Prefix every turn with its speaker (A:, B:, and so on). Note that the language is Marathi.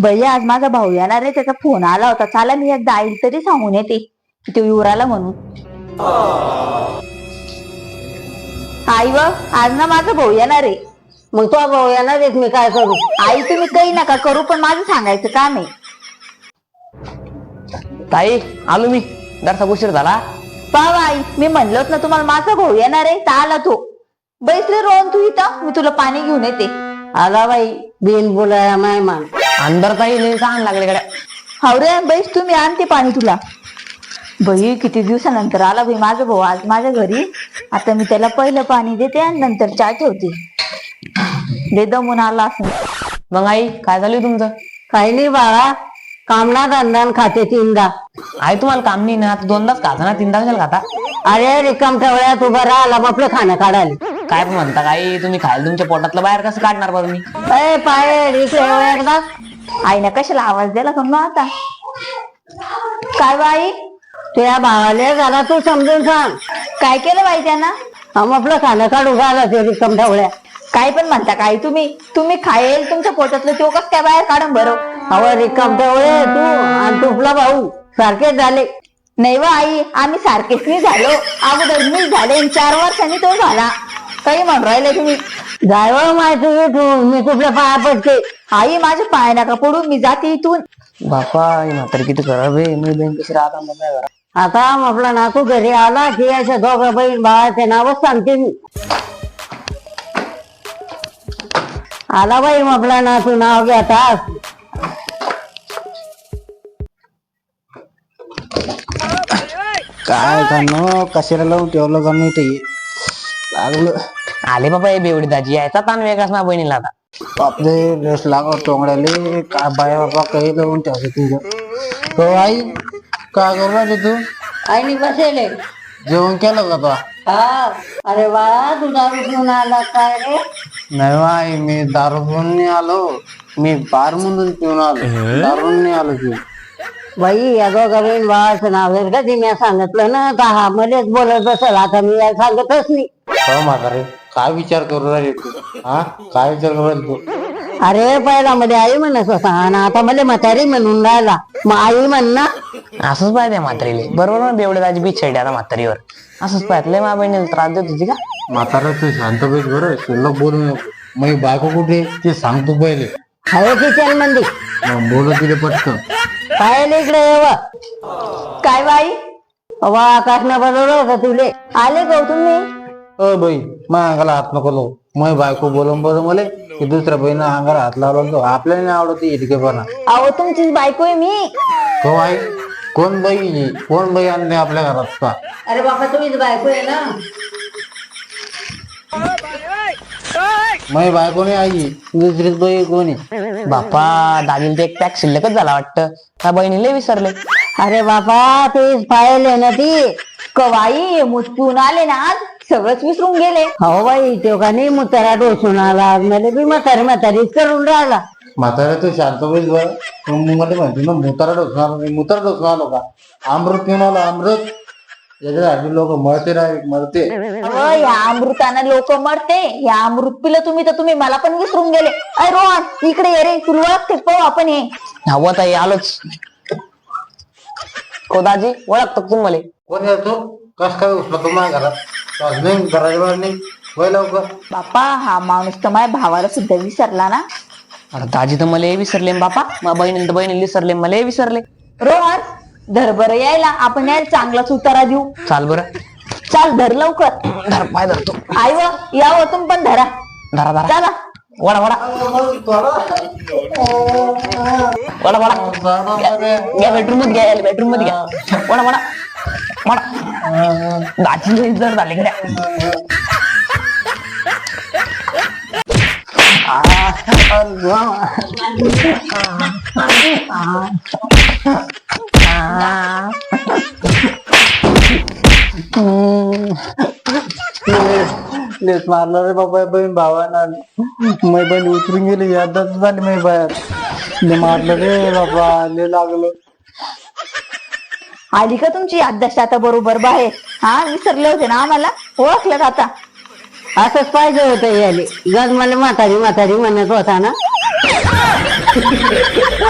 A: बाई आज माझा भाऊ येणार आहे, त्याचा फोन आला होता. चला मी एकदा आईल तरी सांगून येते की तो युवराला म्हणून. आई व आज ना माझा भाऊ येणार आहे.
B: मग तो भाऊ येणार आहे, मी काय करू?
A: आई तुम्ही काही नका करू, पण माझं सांगायचं काम आहे.
C: ताई आलो मी, जरासा उशीर झाला.
A: पाव आई, मी म्हणलोच ना तुम्हाला माझा भाऊ येणार आहे, तर आला तो. बैस रे रोहन तू इथं, मी तुला पाणी घेऊन येते.
B: आला बाई बिन बोलाया मेहमान.
C: अंदर ताई लई तहान लागले गड्या.
A: हाव रे बैस, तुम्ही आणते पाणी तुला. बाई किती दिवसानंतर आला बाई माझा भाऊ आज माझ्या घरी. आता मी त्याला पहिलं पाणी देते आणि नंतर चहा ठेवते. लय दमून आला असं.
C: मग आई काय झालं तुमचं?
B: काही नाही बाळा, कामना धंदा खाते तीनदा.
C: आई तुम्हाला काम नाही ना, आता दोनदाच खाता ना, तीनदा कशाला खाता?
B: अरे रिकाम ठेवळ्यात उभा राहिला आपलं खाणं काढायला.
C: काय पण म्हणता आई, तुम्ही खायला तुमच्या पोटातलं बाहेर कसं काढणार बरं मी?
B: अय पाय इकडे एकदा.
A: आईने कशाला आवाज दिला का मग आता? काय बाई
B: तुझ्या भावाले जरा तू समजून सांग.
A: काय केलं बाई त्यांना?
B: हम आपलं खाणं काढू घाला ते रिकाम ठेवळ्या.
A: काय पण म्हणता काय तुम्ही खायला तुमच्या पोटातलं तो कस काय बाहेर काढून बरं?
B: अहो रिकाम ठेवळे तू आणि तुपला भाऊ सारखेच झाले.
A: नाही व आई, आम्ही सारखेच नाही झालो. अगोदर मी झाले 4 वर्षांनी तो झाला. काही म्हणून राहिले तुम्ही?
B: जायव माहिती तू, मी तुपल्या पाया पडते.
A: आई माझ्या पाय नका पडून, मी जाते इथून.
C: बापा म्हातारी किती खराब आहे. मी बहीण कशी राहता मग काय करा?
B: आता आपला नातू घरी आला की अशा दोघं बहीण भावाचे नावच सांगते मी. आला बाई आपला नातू, नाव घेता.
D: काय कानो कशाला लावून ठेवलं का मी ते लागलं.
C: आले बाबा हे बेवडी दाजी, यायचा ताण वेगळाच ना बहिणीला आता.
D: बापरे रस लागत टोंगड्याले. काय बाया बाबा काही लावून ठेवलं तुझं. हो आई काय करू राहिले तू?
B: आईनी बसेले.
D: जेवण केलं का तो?
B: हा. अरे बाळा तू दारू पिऊन आला काय रे?
D: नाही हो आई, मी दारू पिऊन नाही आलो. मी बार म्हणून पिऊन आलो, दारून नाही आलो तू.
B: बाई या दोघं बहीण भावाचं नाव जर कधी मी सांगितलं ना तर हा मध्येच बोलत बसल. आता मी या सांगतच नाही.
D: हो म्हातारे काय विचार करू राहिले तू? हा काय विचार करू राहिले तू?
B: अरे पहिला मध्ये आई म्हणत होता आणि आता मला म्हातारी म्हणून राहिला. मग आई म्हण ना.
C: असंच पाहिजे म्हातारीले. बरोबर ना, बेवडी दाजी बिछाडी आता म्हातारीवर. असंच पाहिजे मा बहिणीला त्रास देत होती का?
D: म्हातारा तू शांत बैस बरं, शिल्लक बोलू नको. मग बायको कुठे ते सांगतो पहिले.
B: हवे किचन मंदी
D: मग बोलत तिथे पटकन.
B: पाहिले इकडे येव.
A: काय बाई?
B: वा आकाशनं बरोबर होतं तुले.
A: आले गो तुम्ही?
D: अ बाई मग अंगाला हात नको लावू. मग बायको बोलून बरं मला की दुसऱ्या बहिणी अंगाला हात लावला तो आपल्याला नाही आवडत इटकेपणा.
A: अहो तुमचीच बायको आहे मी.
D: हो आई, कोण बाई कोण बाई आणते आपल्या घरात का?
B: अरे बाबा तुम्हीच बायको आहे ना.
D: मग बायको नाही आई, दुसरीच बाई कोणी.
C: बापा दाजीला ते एक पॅक शिल्लकच झाला वाटतं. त्या बहिणीला विसरले.
B: अरे बाबा तेच पाहिले ना ती.
A: कवाई मुतपून आले ना आज, सगळंच विसरून गेले.
B: हो बाई तो का नाही मुतारा डोसून आला. मला बी म्हातारीच करून राहिला.
D: म्हातारा तू शांत बैस बरं. तू मला म्हणते ना मुतारा डोसणार नाही. मुतारा डोसून आलो का? अमृत पिऊन आलो अमृत. याच्यासाठी लोक मरते मरते.
A: अहो, या अमृताने लोक मरते. या अमृत पिलं तुम्ही तर तुम्ही मला पण विसरून गेले. अरे रोहन इकडे ये रे, तुला ओळखते पाहू आपण हे.
C: हवं ताई आलोच. को दाजी ओळखतो तुम्ही मला?
D: कोण येतो? कस काय उचला तुम्हाला घरात? नाही घराच्या बाहेर नाही वय लवकर.
A: बापा हा माणूस तर माझ्या भावाला सुद्धा विसरला ना.
C: अरे दाजी तर मला विसरले बापा. मग बहिणी तर बहिणी विसरले, मला विसरले.
A: रोहन धर बरं यायला, आपण यायला चांगलाच उतारा देऊ.
C: चाल बरं.
A: चाल धर लवकर.
C: धर पाय धरतो.
A: आई व या हो तुम्ही पण धरा.
C: धरा धरा.
A: चला
C: वडा वडा वडा वडा. घ्या बेडरूम मध्ये घ्या, बेडरूम मध्ये घ्या. वडा वडा वडा. दाजी जर झाले घड्या.
D: लेस मारला रे बाबा बहीण भावाना. मै बहीण उतरून गेली, यादच झाली मै बाहेर. ले मारलं रे बाबा, ले लागलं.
A: आली का तुमची याददाश्त आता बरोबर बाहेर? हा विसरले होते ना आम्हाला, ओळखलं का आता?
B: असंच पाहिजे होतं याले. गज मला म्हातारी म्हणत होता ना.